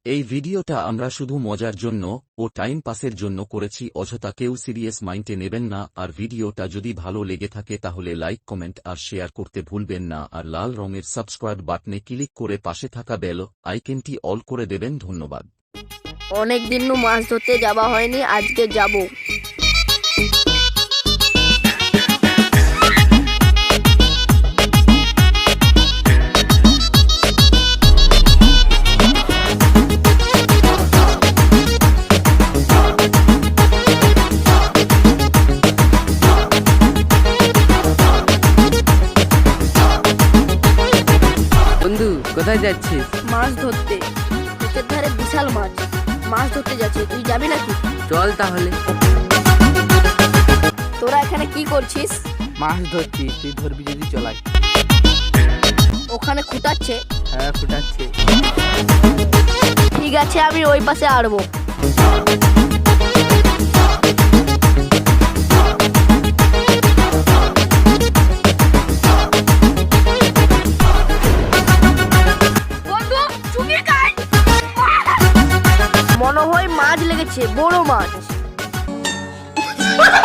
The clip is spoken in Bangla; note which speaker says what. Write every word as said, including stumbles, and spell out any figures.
Speaker 1: এই ভিডিওটা আমরা শুধু মজার জন্য ও টাইম পাসের জন্য করেছি, অযথা কেউ সিরিয়াস মাইন্ডে নেবেন না। আর ভিডিওটা যদি ভালো লেগে থাকে তাহলে লাইক, কমেন্ট আর শেয়ার করতে ভুলবেন না। আর লাল রঙের সাবস্ক্রাইব বাটনে ক্লিক করে পাশে থাকা বেল আইকনটি অল করে দেবেন। ধন্যবাদ।
Speaker 2: অনেক দিন নু মাছ ধরতে যাওয়া হয়নি, আজকে যাব।
Speaker 3: বন্ধু, কোথায় যাচ্ছিস?
Speaker 2: মাছ ধরতে। ক্ষেতের ধারে বিশাল মাছ, মাছ ধরতে যাচ্ছি। তুই যাবি নাকি?
Speaker 3: চল তাহলে।
Speaker 2: তোরা এখানে কি করছিস?
Speaker 3: মাছ ধরছি, তুই ধরবি যদি চলাই।
Speaker 2: ওখানে খুঁটাচ্ছে?
Speaker 3: হ্যাঁ, ফুটাচ্ছে।
Speaker 2: ঠিক আছে, আমি ওই পাশে আড়বো। মনে হয় মাছ লেগেছে, বড় মাছ।